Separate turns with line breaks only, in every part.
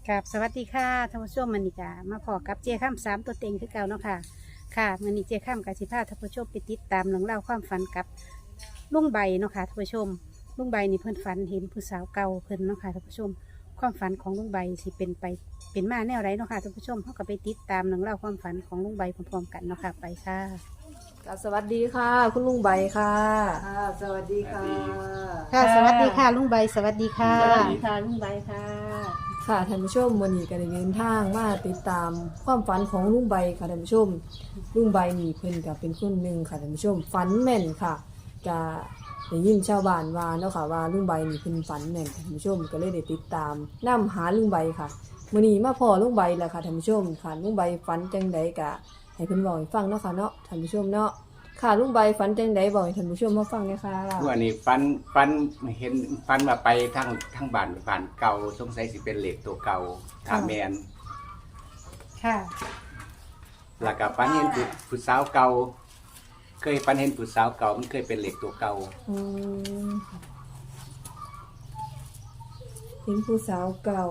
กับสวัสดีค่ะท่านผู้ชมมันนี่กะมาพอกับเจ้าข้ามสามตัวเต็งคือเก่าเนาะค่ะค่ะมันนี่เจ้าข้ามกับสิพาท่านผู้ชมไปติดตามเรื่องเล่าวความฝันกับลุงใบเนาะค่ะท่านผู้ชมลุงใบนี่เพิ่นฝันเห็นผู้สาวเก่าเพิ่นเนาะค่ะท่านผู้ชมความฝันของลุงใบสิเป็นไปเป็นมาแนวไรเนาะค่ะท่านผู้ชมเขาก็ไปติดตามเรื่องเล่าวความฝันของลุงใบพร้อมๆกันเนาะค่ะไปค่ะ
สวัสดีค่ะ คุณลุงใบค่ะ
ค่ะสวัสดีค่ะ
ค่ะสวัสดีค่ะลุงใบสวัสดีค่ะ
สวัสดีค่ะลุงใบค่ะ
ค่ะท่านผู้ชมวันนี้ก็ได้เดินทางมาติดตามความฝันของลุงใบค่ะท่านผู้ชมลุงใบนี่เพิ่นก็เป็นคนหนึ่งค่ะท่านผู้ชมฝันแม่นค่ะจะได้ยินชาวบ้านว่าเนาะค่ะว่าลุงใบนี่เพิ่นฝันแม่นค่ะท่านผู้ชมก็เลยได้ติดตามนํหาลุงใบค่ะมื้อนี้มาพอลุงใบแล้วค่ะท่านผู้ชมค่ะลุงใบฝันจังใดก็ให้เพิ่นบอกให้ฟังเนาะค่ะเนาะท่านผู้ชมเนาะค่ะลุงใบฝันจังใดบอกให้ท่านผู้ชมมาฟังเลยค่ะ
วันนี้ฟันเห็นฟันว่าไปทางบ้านเก่าสงสัยสิเป็นเหล็กตัวเก่าถาแมน
ค่ะ
แล้วก็ฟันเห็นผู้สาวเก่าเคยฟันเห็นผู้สาวเก่ามันเคยเป็นเหล็กตัวเก่า
อืมเห็นผู้สาวเก่า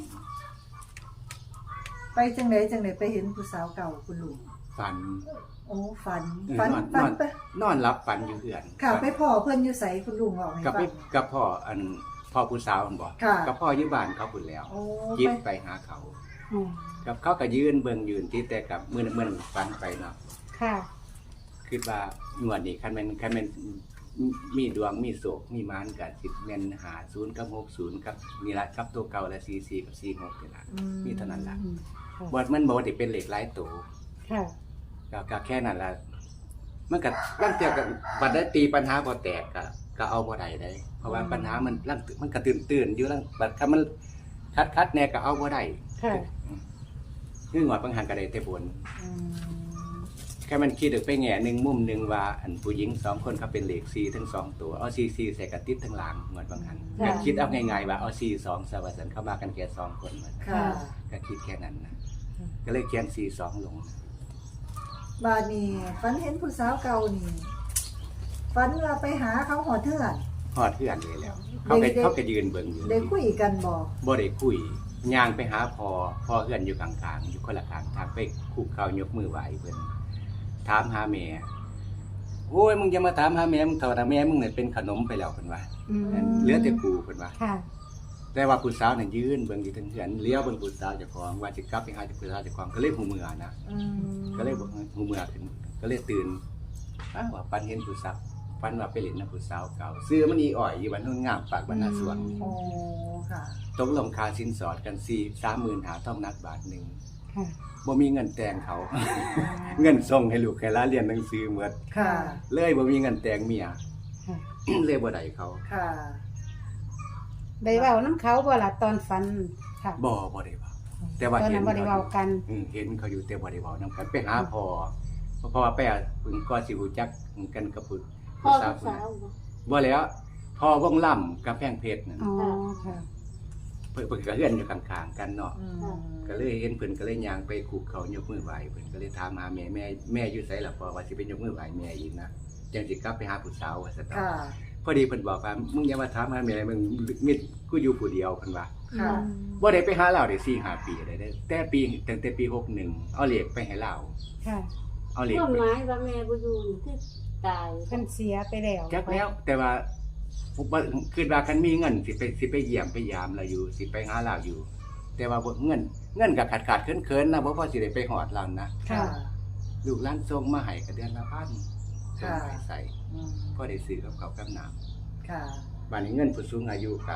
ไปจังไหนไปเห็นผู้สาวเก่าคุณลุง
ฟัน
โอ้ฝัน
น
ฝัน
อน
ฝันไป
นอนรับฟันอยู่เหือน
ค่ะไปพ่อเพิ่นอยู่ใสคุณลุงบอกให้
กับ
ฟัง
กับพ่อพ่อผู้สาวมันบอก
ค่ะ
กับพ่ออยู่บ้านเขาพุ่นแล้ว
โอ้
ยิบ
ไป
ไปหาเขา
อืม
กับเขาก็ยืนเบิ่งยืนที่แต่กับมือฟันไปเนาะ
ค่ะ
คิดว่าหนวดนี่คันแม่นมีดวงมีโศกมีมานกับสิแม่น50กับ60กับนี่ละกับตัวเก่าและ44กับ46นี่ล่ะมีเท่านั้นล่ะ
อืมค่ะ
บ่มันบ่ได้เป็นเหล็กหลายตัว
ค่ะ
ก็แค่นั้นล่ะมันก็ลางเที่ยก็บัดได้ตีปัญหาบ่แตกก็เอาบ่ได้ได้ เพราะว่าปัญหามันลางมันก็ตื่นอยู่ลางบัดคันมันคัดแน่ก็เอาบ่ได้
ค่ะ
คืองวดบางหันก็ได้แต่บน แค่มันคิดไปแง่หนึ่งมุมหนึ่งว่าอันผู้หญิง2คนเขาเป็นเหล็ก4ทั้ง2ตัวเอา4ใส่กระติดทั้งหลังเหมือนบางหันก็คิดเอาง่ายๆว่าเอา4 2ซะว่าซั่นเข้ามากันแค่2คนเหมือน
ค่ะ
ก็คิดแค่นั้นนะก็เลยเขียน4 2ลง
บาดนี้ฝันเห็นผู้สาวเก่านี่ฝันว่าไปหาเขาหอเถื่อน
ฮอดเพื่อนเลยแล้ว เขาก็ยืนเบิ่งอยู่
ได้คุยกันบอก
บ่ได้คุยย่างไปหาพ่อเพื่อนอยู่ข้างๆอยู่คนละข้างทางไปคุกเข่ายกมือไหว้เพิ่นถามหาแม่โอ้ยมึงอย่ามาถามหาแม่มึงเถอะแม่มึงเนี่ยเป็นขนมไปแล้วเพิ่นว่า
อืม
เหลือแต่กูเพิ่นว่า
ค่ะ
แต่ว่าผู้สาวน่ะยืนเบิ่งอยู่ทั้งเฮือนเลี้ยวเบิ่งผู้สาวเจ้าของว่าสิกลับไปหาผู้สาวเจ้าของก็เลยหูเมื่อนะก็เลยบอกหูเมื่อขึ้นก็เลยตื่นว่าฝันเห็นผู้สาวฝันว่าไปเล่นน้ำผู้สาวเก่าซื้อมันอีอ่อยอยู่บ้านโนนงามปากบ้านนาสวน
โอ้ค่ะ
ตกลงค่าสินสอดกัน30,000หาทองนักบาทหนึง
ค่ะ
บ่มีเงินแต่งเขา เงินส่งให้ลูกให้หลานเรียนหนังสือหมด
ค่ะ
เลยบ่มีเงินแต่งเมีย
ค่ะ
เลยบ่ได้เขา
ค่ะ
ได้เว้าน้ำเขาบ่ล่ะตอนฝันค่ะ
บ่ได้เว้าแต่ว่า
ตอน
เห็
นั้น นบ่ได้เว้ากัน
เห็นเขาอยู่แต่บ่ได้เว้านำกันไปหาพ่อเพราะว่าไปเพิ่นก็สิรู้จักกันกับผู้
พ่อ
สา
ลู
ว
กสาวบ่
บ่แล้วพ่อวงล่ำกับแพงเพชรนั่น
อ๋อ ค่ะ
เพิ่นก็เฮือนอยู่ข้างๆกันเนาะ
อืม
ก็เลยเห็นเพิ่นก็เลยย่างไปคุกเขายกมือไหว้เพิ่นก็เลยถามหาแม่อยู่ไสล่ะพ่อว่าสิไปยกมือไหว้แม่อีกนะจังสิกลับไปหาผู้สาวว่าซั่นเนาะ
ค่ะ
พอดีเพิ่นบอกว่ามึงอย่ามาถามหาแม่มึงมิดกูอยู่ผู้เดียวเพิ่นว่า
ค่ะ
บ่ได้ไปหาเราได้4-5 ปีได้แต่ตั้งแต่ปี61เอาเหล็กไปให้เรา
ค่ะ
เอาเหล็ก
ต้น
ไป
ไม้ว่าแม่บ่อยู่นี่คือตาย
เพิ่นเสียไปแล้ว
จักแล้วแต่ว่าผมว่าคิดว่าคันมีเงินสิไปเยี่ยมไปยามเราอยู่สิไปหาเราอยู่ แต่ว่าบ่เงินก็ขาดๆเคินๆนะบ่พอสิได้ไปฮอดเรานะ
ค่ะ
ลูกหลานส่งมาให้ก็เดือนละพันส่ง
ค่ะ
ให้ใส่
อืม
พอได้ซื้อกับข้าวกับน้ำ
ค่ะ
บัดนี้เงินผู้สูงอายุก็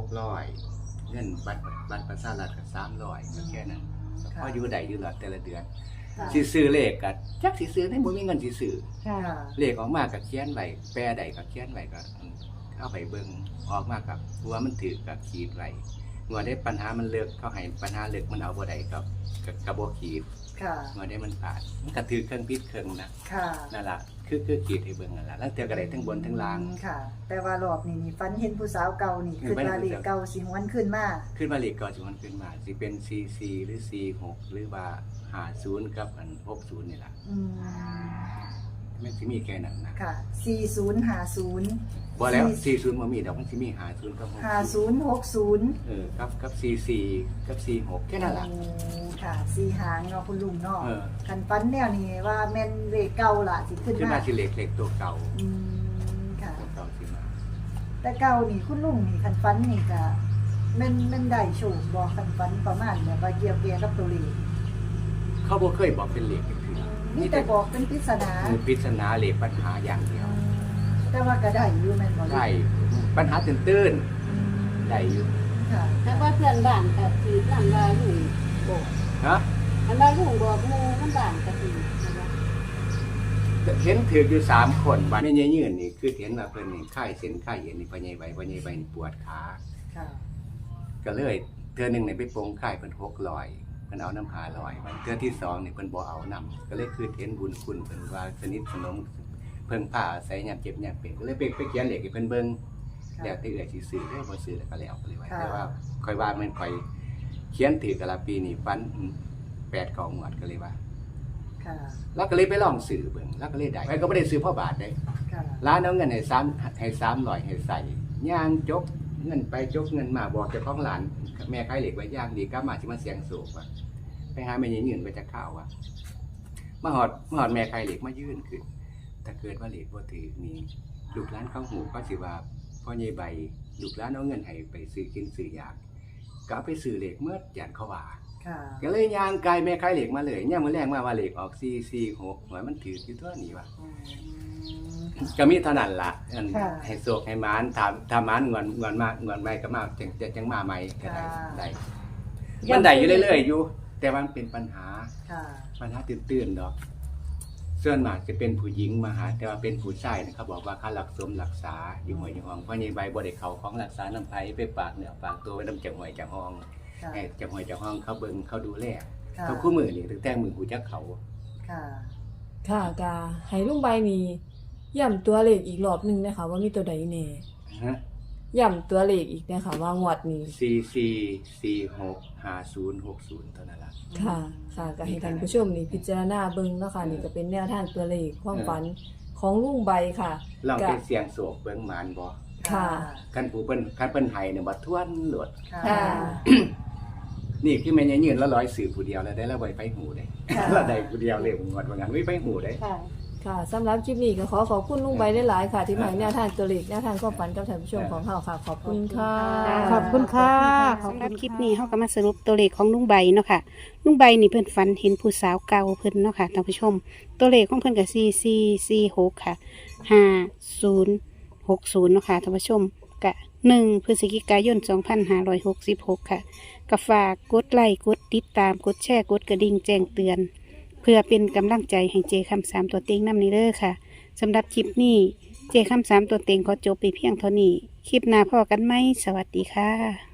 600เงินบัตรประชารัฐก็300ก็แค่นั้น
ค่ะ
พออยู่ได้อยู่หลอดแต่ละเดือน
ค่ะ
สิซื้อเลขก็จักสิซื้อได้บ่มีเงินสิซื้อ
ค่ะ
ค่ะ
เลขออกมาก็เขียนไว้แปลใดก็เขียนไว้ก็เอาไปเบิ่งออกมากับว่ามันถือกับขีดไว้งัวได้ปัญหามันเลิกเขาให้ปัญหาเลิกมันเอาบ่ได้ก็บ่ขีด
ค่ะ
งัวได้มันผ่านมันก็ถือเครื่องพิษเครื่องนะ
ค่ะ
นั่นล่ะคือขีดให้เบิ่งนั่นล่ะแล้วเทื่อก็ได้ทั้งบนทั้งล่าง
ค่ะ แต่ว่ารอบนี้นี่ฝันเห็นผู้สาวเก่านี่คือว่าเลขเก่าสิหวนขึ้นมา
ขึ้นมาเลขก็สิมันขึ้นมาสิเป็น44หรือ46หรือว่า50กับ60นี่ล่ะ
อืม
มันสิมีแค่นั้นนะ
ค่ะ4050
บ่แล้ว40บ่มีดอกมันสิมี50กับ60
5060
กับ44กับ46แค่นั้นล่ะ
ค่ะ4หางเนาะคุณลุงเนาะ
เออ
คันฟันแนวนี้ว่าแม่นเลขเก่าล่ะสิขึ้น
ขึ้น
มา
มาสิเล็กตัวเก่า
ค่ะ
ตัวเก่าสิมา
แต่เก่านี่คุณลุงนี่คันฟันนี่ก็แม่นได้โชคบ่คันฟันประมาณแบบว่าเกี่ยวกับตัวเลข
เขาบ่เคยบอกเป็นเลขคือ
มีแต่บอกเป็นปริศนา
คือปริศนาเลขปัญหาอย่างเดียว
แต่ว่าก็ได้อยู่แม่นบ่
ได้ปัญหาตื้นๆได้อยู่
ค่ะ
แต่ว่าเพื่อนบ้านก็คือหลังว่าลุงบอก
ฮะ
อันว่าลุงบอกหมู่มันบ้านก็คือนะคะ
เห็นถืออยู่3คนบัดแม่ยืนนี่คือเห็นว่าเพิ่นนี่ค่ายเส้นค่ายเอ็นนี่พ่อใหญ่ใบนี่ปวดขา
ค่ะ
ก็เลยเทื่อหนึงนี่ไปโปงค่ายเพิ่น600เพิ่นเอาน้ำหา100มันเทื่อที่2นี่เพิ่นบ่เอาน้ำก็เลยคือเห็นบุญคุณเพิ่นว่าสนิทสนมเพิ่งพาอาศัยยามเจ็บยามเป็นก็เลยไปเขียนเลขให้เพิ่นเบิ่ง แล้วแต่เอื้อยสิซื้อได้บ่ซื้อแล้วก็แล้วไปเลยว่าแต่ว่าค่อยว่ามันค่อยเขียนถือกันละปีนี้ฟัน8 9งวดก็เลยว่า
ค่ะ
แล้วก็เลยไปลองซื้อเบิ่งแล้วก็เลยได้ไปก็บ่ได้ซื้อพ่อบาทเด้
ค่ะ
ร้านเอาเงินให้300ให้ใส่ย่างจกเงินไปจกเงินมาบอกเจ้าของร้านแม่ขายเหล็กไว้ย่างดีกลับมาสิมาเสียงโศกว่าไปหาแม่ยืนไปจากข้าวว่ามาหอดแม่ขายเหล็กมายื่นขึ้นถ้าเกิดว่าเหล็กบ่ถือนี่ลูกร้านเข้าหูก็สิว่าพ่อใหญ่ใบลูกร้านเอาเงินให้ไปซื้อกินซื้อยากก็เอาไปซื้อเหล็กเมื่อยันเขาว่า
ค่ะ
ก็เลยย่างไกลแม่ขายเหล็กมาเลยย่างมื้อแรกมาว่าเหล็กออก446หวยมันถืออยู่ตัวนี้ว่ะ ก็มีเท่านั้นล่ะอัน
ค่ะ
ให้โศกให้หมานถามหมานงอนมางอนใหม่ก็มาจังมาใหม่ก็ได้
ค่ะ
ได้มันได้อยู่เรื่อยๆอยู่ แต่ว่ามันเป็นปัญหา
ค่ะ
ปัญหาตื่นๆดอกส่วนมากจะเป็นผู้หญิงมาหาแต่ว่าเป็นผู้ชายนะครับบอกว่าค่ารักสมรักษาอยู่ห้วยอยู่ห้องเพราะในใบบ่ได้เข้าของรักษาน้ำไผไปฝากเนื้อฝากตัวไว้น้ำจังห้วยจังห้อง
ค่ะ
ให้จังห้วยจังห้องเขาเบิ่งเขาดูแล
ค่ะ
เขาคู่มือนี่ตั้งแต่มือหูจักเขา
ค่ะ
ค่ะกาให้ลุงใบนี่ย้ำตัวเลขอีกรอบหนึงนะคะว่ามีตัวใดแน่
ฮะ
ย้ำตัวเลขอีกนะคะว่างวดนี้
444650เท่านั้นล่ะ
ค่ะค่ะก็ให้ท่านผู้ชมนี่พิจารณาเบิ่งเนาะค่ะนี่ก็เป็นแนวทางตัวเลขความฝันของลุงใบค่ะ
ลอง
ก็
ไปเสียงโศกเบิ่งหมานบ่
ค่ะ
คันผู้เพิ่นให้เนี่ยบ่ทวนโลด
ค่ะ
ค่ะ
นี่คือแม่นยืนแล้วร้อยสื่อผู้เดียวแล้วได้แล้วไว้ไปหูได้
ค่ะ
แล้วได้ผู้เดียวเลยงวดว่างั้นไว้ไปหูได้
ค่ะ
ค่ะสำหรับคลิปนี้ก็ขอบคุณลุงใบหลายๆค่ะ ที่มาให้แนวทางตัวเลขแนวทางความฝันกับท่านผู้ชมของเฮาค่ะ ขอบคุณค่ะ
ขอบคุณค่ะสำหรับคลิปนี้เขาก็มาสรุปตัวเลขของลุงใบเนาะค่ะลุงใบนี่เพิ่นฝันเห็นผู้สาวเก่าเพิ่นเนาะค่ะท่านผู้ชม ตัวเลขของเพิ่นก็4446ค่ะ5060เนาะค่ะท่านผู้ชมกะ1 พฤศจิกายน 2566 ค่ะก็ฝากกดไลค์กดติดตามกดแชร์กดกระดิ่งแจ้งเตือน เพื่อเป็นกำลังใจให้เจคำ3ตัวเต็งนำนี้เด้อค่ะสำหรับคลิปนี้เจคำ3ตัวเต็งขอจบไปเพียงเท่านี้คลิปหน้าพอกันไหมสวัสดีค่ะ